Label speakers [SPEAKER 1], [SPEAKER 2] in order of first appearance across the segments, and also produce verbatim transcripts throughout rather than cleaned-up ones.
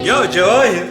[SPEAKER 1] Ya Cevahir,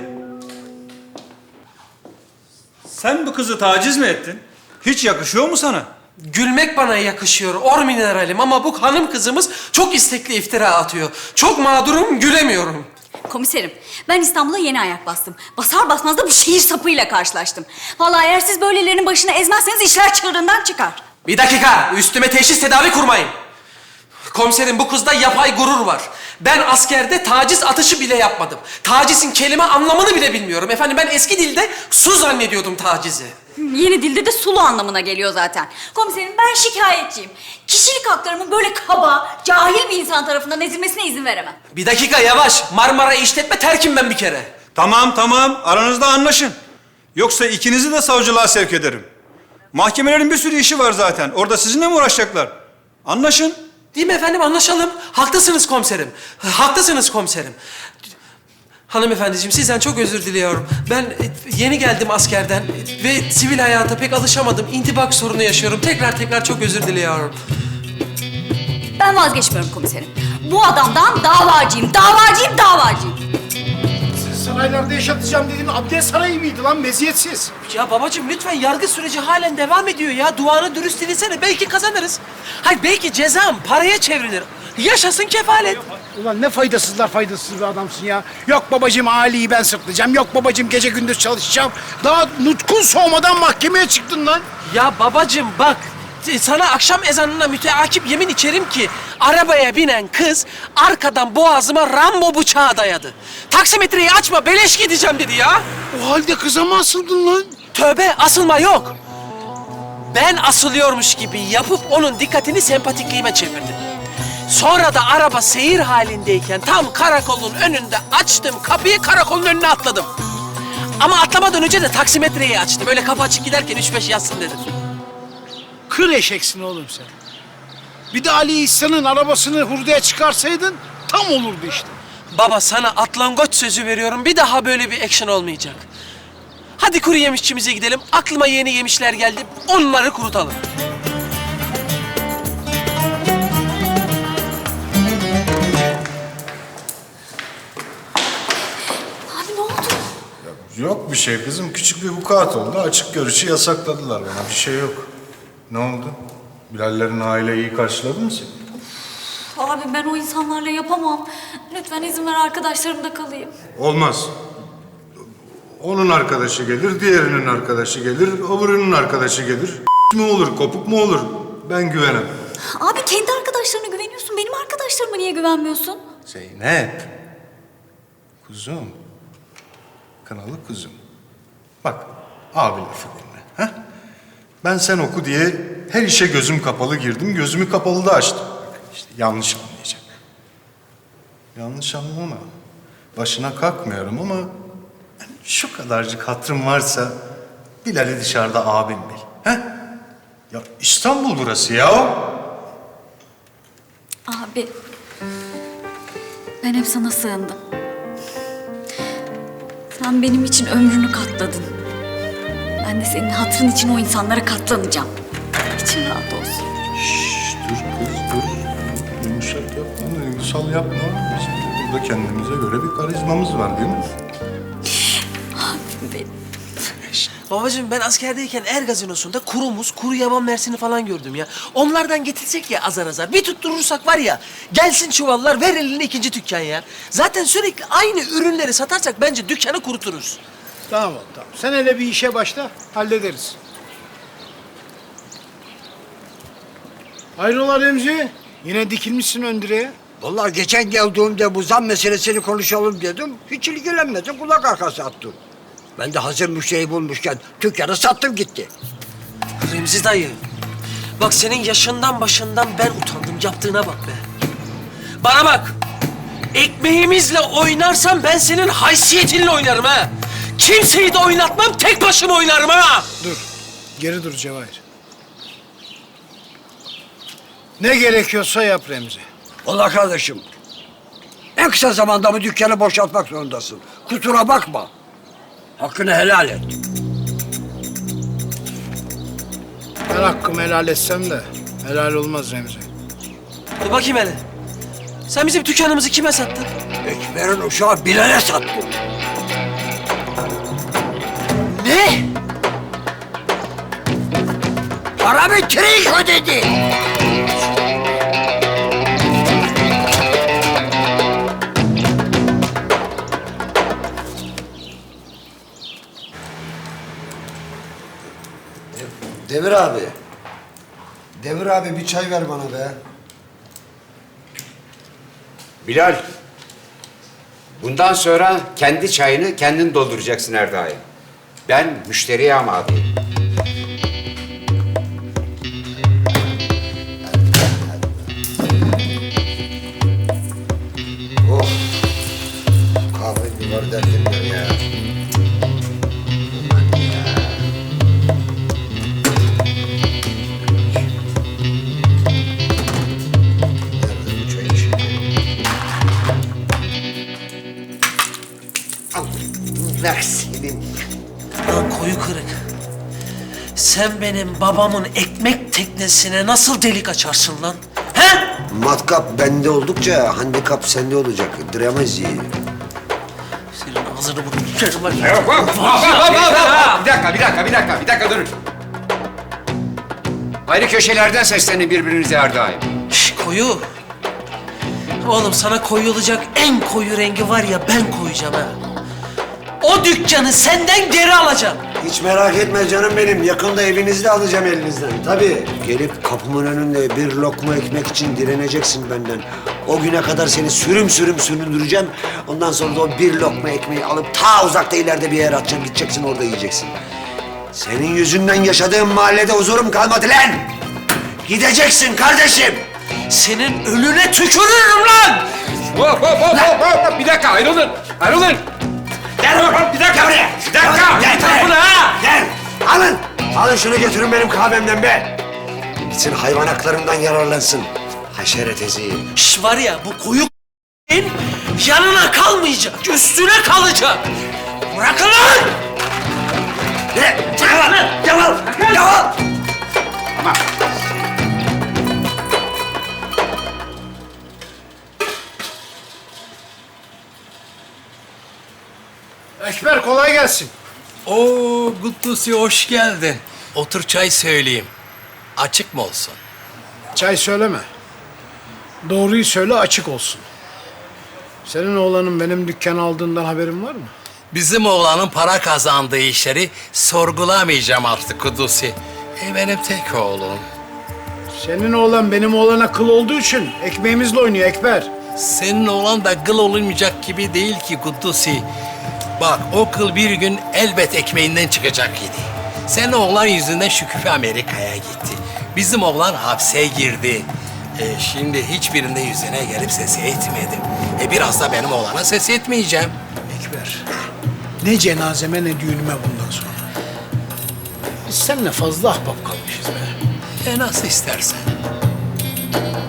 [SPEAKER 1] sen bu kızı taciz mi ettin? Hiç yakışıyor mu sana?
[SPEAKER 2] Gülmek bana yakışıyor, or mineralim ama bu hanım kızımız çok istekli iftira atıyor. Çok mağdurum, gülemiyorum.
[SPEAKER 3] Komiserim, ben İstanbul'a yeni ayak bastım. Basar basmaz da bir şehir sapıyla karşılaştım. Vallahi eğer siz böylelerinin başına ezmezseniz işler çığırından çıkar.
[SPEAKER 2] Bir dakika, üstüme teşhis tedavi kurmayın. Komiserim, bu kızda yapay gurur var. Ben askerde taciz atışı bile yapmadım. Tacizin kelime anlamını bile bilmiyorum. Efendim ben eski dilde su zannediyordum tacizi.
[SPEAKER 3] Yeni dilde de sulu anlamına geliyor zaten. Komiserim, ben şikayetçiyim. Kişilik haklarımın böyle kaba, cahil bir insan tarafından ezilmesine izin veremem.
[SPEAKER 2] Bir dakika yavaş, Marmara işletme terkim ben bir kere.
[SPEAKER 1] Tamam tamam, aranızda anlaşın. Yoksa ikinizi de savcılığa sevk ederim. Mahkemelerin bir sürü işi var zaten. Orada sizinle mi uğraşacaklar? Anlaşın.
[SPEAKER 2] Değil mi efendim? Anlaşalım. Haklısınız komiserim. Haklısınız komiserim. Hanımefendiciğim sizden çok özür diliyorum. Ben e, yeni geldim askerden ve sivil hayata pek alışamadım. İntibak sorunu yaşıyorum. Tekrar tekrar çok özür diliyorum.
[SPEAKER 3] Ben vazgeçmiyorum komiserim. Bu adamdan davacıyım, davacıyım, davacıyım.
[SPEAKER 4] Saraylarda yaşatacağım dediğin Abdest Sarayı mıydı lan, meziyetsiz?
[SPEAKER 2] Ya babacığım lütfen, yargı süreci halen devam ediyor ya. Duanı dürüst dilesene, belki kazanırız. Hayır, belki cezam paraya çevrilir. Yaşasın kefalet.
[SPEAKER 4] Ulan ne faydasızlar faydasız bir adamsın ya. Yok babacığım Ali'yi ben sırtlayacağım, yok babacığım gece gündüz çalışacağım. Daha nutkun soğumadan mahkemeye çıktın lan.
[SPEAKER 2] Ya babacığım bak, sana akşam ezanına müteakip yemin içerim ki arabaya binen kız arkadan boğazıma Rambo bıçağı dayadı. Taksimetreyi açma, beleş gideceğim dedi ya.
[SPEAKER 4] O halde kıza mı asıldın lan?
[SPEAKER 2] Tövbe, asılma yok. Ben asılıyormuş gibi yapıp onun dikkatini sempatikliğime çevirdim. Sonra da araba seyir halindeyken tam karakolun önünde açtım kapıyı, karakolun önüne atladım. Ama atlamadan önce de taksimetreyi açtım. Öyle kapı açık giderken üç beş yazsın dedim.
[SPEAKER 4] Kır eşeksin oğlum sen. Bir de Ali İhsan'ın arabasını hurdaya çıkarsaydın tam olurdu işte.
[SPEAKER 2] Baba sana atlangoç sözü veriyorum. Bir daha böyle bir action olmayacak. Hadi kuru yemişçimize gidelim. Aklıma yeni yemişler geldi. Onları kurutalım.
[SPEAKER 3] Abi ne oldu?
[SPEAKER 5] Yok bir şey kızım. Küçük bir vukuat oldu. Açık görüşü yasakladılar bana. Bir şey yok. Ne oldu? Bilallerin aileyi iyi karşıladı mı seni?
[SPEAKER 3] Abi ben o insanlarla yapamam. Lütfen izin ver, arkadaşlarımda kalayım.
[SPEAKER 5] Olmaz. Onun arkadaşı gelir, diğerinin arkadaşı gelir, öbürünün arkadaşı gelir. mi olur, kopuk mu olur? Ben güvenemem.
[SPEAKER 3] Abi kendi arkadaşlarına güveniyorsun. Benim arkadaşlarıma niye güvenmiyorsun?
[SPEAKER 5] Zeynep. Kuzum. Kınalı kuzum. Bak, abi lafı dinle. Ha? Ben sen oku diye her işe gözüm kapalı girdim, gözümü kapalı da açtım. İşte yanlış anlayacak. Yanlış anlama. Başına kalkmıyorum ama yani şu kadarcık hatırım varsa Bilal'i dışarıda abim bil. He? Ya İstanbul burası ya.
[SPEAKER 3] Abi ben hep sana sığındım. Sen benim için ömrünü katladın. Ben de senin hatırın için o insanlara katlanacağım. İçin rahat olsun.
[SPEAKER 5] Şşş dur kız dur. Yumuşak yapma, duygusal yapma. Bizim de burada kendimize göre bir karizmamız var değil mi?
[SPEAKER 3] Abi benim.
[SPEAKER 2] Babacığım ben askerdeyken Er gazinosunda kuru muz, kuru yaban mersini falan gördüm ya. Onlardan getirsek ya azar azar. Bir tutturursak var ya, gelsin çuvallar, ver eline ikinci dükkan ya. Zaten sürekli aynı ürünleri satarsak bence dükkanı kuruturuz.
[SPEAKER 4] Tamam oğlum tamam. Sen hele bir işe başla, hallederiz. Hayrola Remzi? Yine dikilmişsin ön direğe.
[SPEAKER 6] Vallahi geçen geldiğimde bu zam meselesini konuşalım dedim. Hiç ilgilenmedin, kulak arkası attın. Ben de hazır müşteri bulmuşken dükkanı sattım gitti.
[SPEAKER 2] Remzi dayı, bak senin yaşından başından ben utandım, yaptığına bak be. Bana bak, ekmeğimizle oynarsan ben senin haysiyetinle oynarım ha. Kimseyi de oynatmam, tek başıma oynarım ha.
[SPEAKER 4] Dur, geri dur Cevahir. Ne gerekiyorsa yap Remzi.
[SPEAKER 6] Vallahi kardeşim, en kısa zamanda bu dükkanı boşaltmak zorundasın. Kusura bakma. Hakkını helal et.
[SPEAKER 4] Ben hakkımı helal etsem de helal olmaz Remzi.
[SPEAKER 2] Dur bakayım hele. Sen bizim dükkanımızı kime sattın?
[SPEAKER 6] Ekber'in uşağı Bilal'e sattın. Paramı trink ödedi.
[SPEAKER 7] Devir abi. Devir abi bir çay ver bana be.
[SPEAKER 8] Bilal, bundan sonra kendi çayını kendin dolduracaksın her daim. Ben müşteriye amadeyim.
[SPEAKER 7] Oh. Kahve bir var derdim var ya. Aman ya. Nerede bu çay işi? Allah senin.
[SPEAKER 2] Lan koyu kırık. Sen benim babamın ekmek teknesine nasıl delik açarsın lan? He?
[SPEAKER 7] Matkap bende oldukça handikap sende olacak. Dramezi.
[SPEAKER 2] Senin ağzını bunu tutarım lan.
[SPEAKER 8] Yok, hop, hop, hop, hop, hop, hop. Bir dakika, bir dakika, bir dakika, bir dakika durun. Ayrı köşelerden seslenin birbirinize her daim.
[SPEAKER 2] Şş, koyu. Oğlum sana koyulacak en koyu rengi var ya ben koyacağım ha. O dükkanı senden geri alacağım.
[SPEAKER 7] Hiç merak etme canım benim. Yakında evinizi de alacağım elinizden. Tabii. Gelip kapımın önünde bir lokma ekmek için direneceksin benden. O güne kadar seni sürüm sürüm süründüreceğim. Ondan sonra da o bir lokma ekmeği alıp ta uzakta ileride bir yere atacağım. Gideceksin orada yiyeceksin. Senin yüzünden yaşadığım mahallede huzurum kalmadı lan. Gideceksin kardeşim.
[SPEAKER 2] Senin önüne tükürürüm lan.
[SPEAKER 8] Hop, hop, hop, hop, hop. Bir dakika, ayrılın, ayrılın. Gel hop, hop, bir dakika buraya, bir dakika.
[SPEAKER 7] Gel,
[SPEAKER 2] Gel buraya ha.
[SPEAKER 7] Gel. Alın. Alın şunu götürün benim kahvemden be. Gitsin hayvan haklarından yararlansın. Haşeret eziği.
[SPEAKER 2] Şş var ya bu koyu yanına kalmayacak, üstüne kalacak. Bırakın lan.
[SPEAKER 7] Ne? Yalan! Yalan! Yalan!
[SPEAKER 8] Tamam.
[SPEAKER 4] Ekber kolay gelsin.
[SPEAKER 9] Oo, Kutlusi hoş geldin. Otur çay söyleyeyim. Açık mı olsun?
[SPEAKER 4] Çay söyleme. Doğruyu söyle açık olsun. Senin oğlanın benim dükkanı aldığından haberin var mı?
[SPEAKER 9] Bizim oğlanın para kazandığı işleri sorgulamayacağım artık Kutlusi. E benim tek oğlum.
[SPEAKER 4] Senin oğlan benim oğlana kıl olduğu için ekmeğimizle oynuyor Ekber.
[SPEAKER 9] Senin oğlan da kıl olunmayacak gibi değil ki Kutlusi. Bak o kıl bir gün elbet ekmeğinden çıkacak idi. Senin oğlan yüzünden Şükrü Amerika'ya gitti. Bizim oğlan hapse girdi. E, şimdi hiçbirinde yüzüne gelip sesi etmedim. E biraz da benim oğlana ses etmeyeceğim.
[SPEAKER 4] Ekber. Ne cenazeme ne düğünüme bundan sonra. Biz seninle fazla ahbap kalmışız be.
[SPEAKER 9] E nasıl istersen.